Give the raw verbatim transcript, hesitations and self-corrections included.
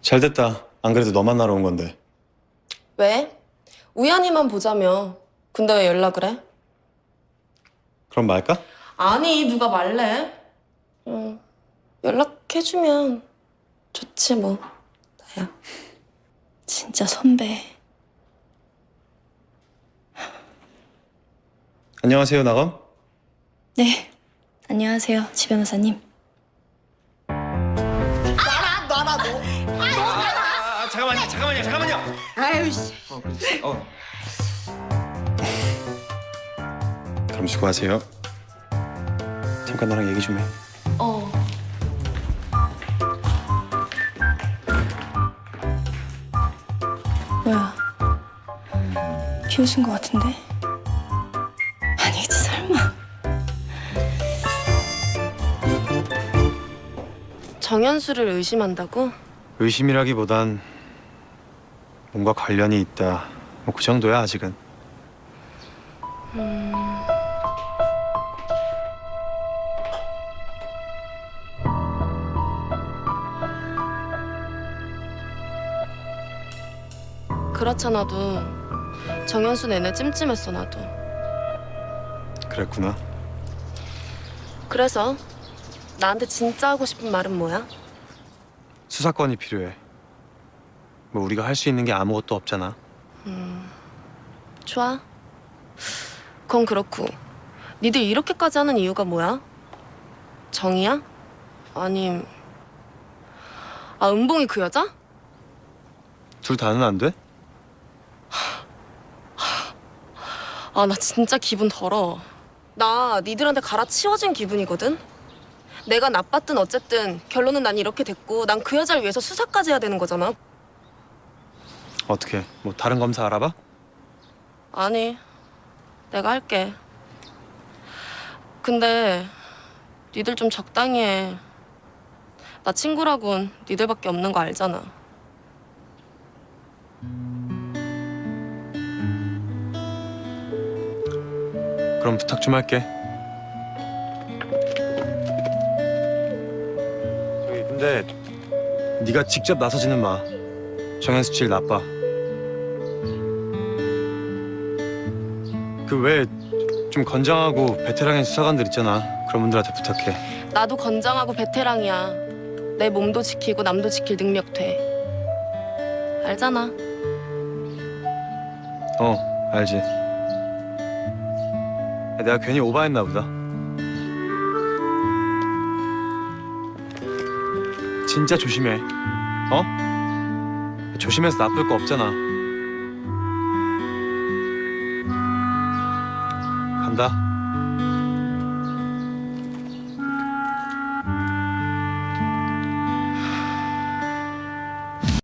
잘 됐다. 안 그래도 너 만나러 온 건데. 왜? 우연히만 보자며. 근데 왜 연락을 해? 그럼 말까? 아니, 누가 말래? 응, 연락해주면 좋지 뭐. 나야. 진짜 선배. 안녕하세요, 나검. 네. 안녕하세요, 지 변호사님. 아, 잠깐만요, 잠깐만요, 잠깐만요. 아유 씨. 어, 그렇지. 어. 그럼 수고하세요. 잠깐 나랑 얘기 좀 해. 어. 뭐야? 비웃은 것 같은데? 아니겠지, 설마. 정현수를 의심한다고? 의심이라기보단 뭔가 관련이 있다. 뭐 그 정도야 아직은. 그렇잖아도 정현수 내내 찜찜했어 나도. 그랬구나. 그래서 나한테 진짜 하고 싶은 말은 뭐야? 수사권이 필요해. 뭐 우리가 할 수 있는 게 아무것도 없잖아. 좋아. 그건 그렇고 니들 이렇게까지 하는 이유가 뭐야? 정이야? 아님 아 은봉이 그 여자? 둘 다는 안 돼? 아 나 진짜 기분 더러워. 나 니들한테 갈아치워진 기분이거든? 내가 나빴든 어쨌든 결론은 난 이렇게 됐고 난 그 여자를 위해서 수사까지 해야 되는 거잖아. 어떻게? 뭐 다른 검사 알아봐? 아니 내가 할게. 근데 니들 좀 적당히 해. 나 친구라곤 니들밖에 없는 거 알잖아. 그럼 부탁 좀 할게. 저기 근데 네가 직접 나서지는 마. 정현수 질 나빠. 그 왜 좀 건장하고 베테랑인 수사관들 있잖아. 그런 분들한테 부탁해. 나도 건장하고 베테랑이야. 내 몸도 지키고 남도 지킬 능력 돼. 알잖아. 어, 알지. 내가 괜히 오바했나 보다. 진짜 조심해. 어? 조심해서 나쁠 거 없잖아. 간다.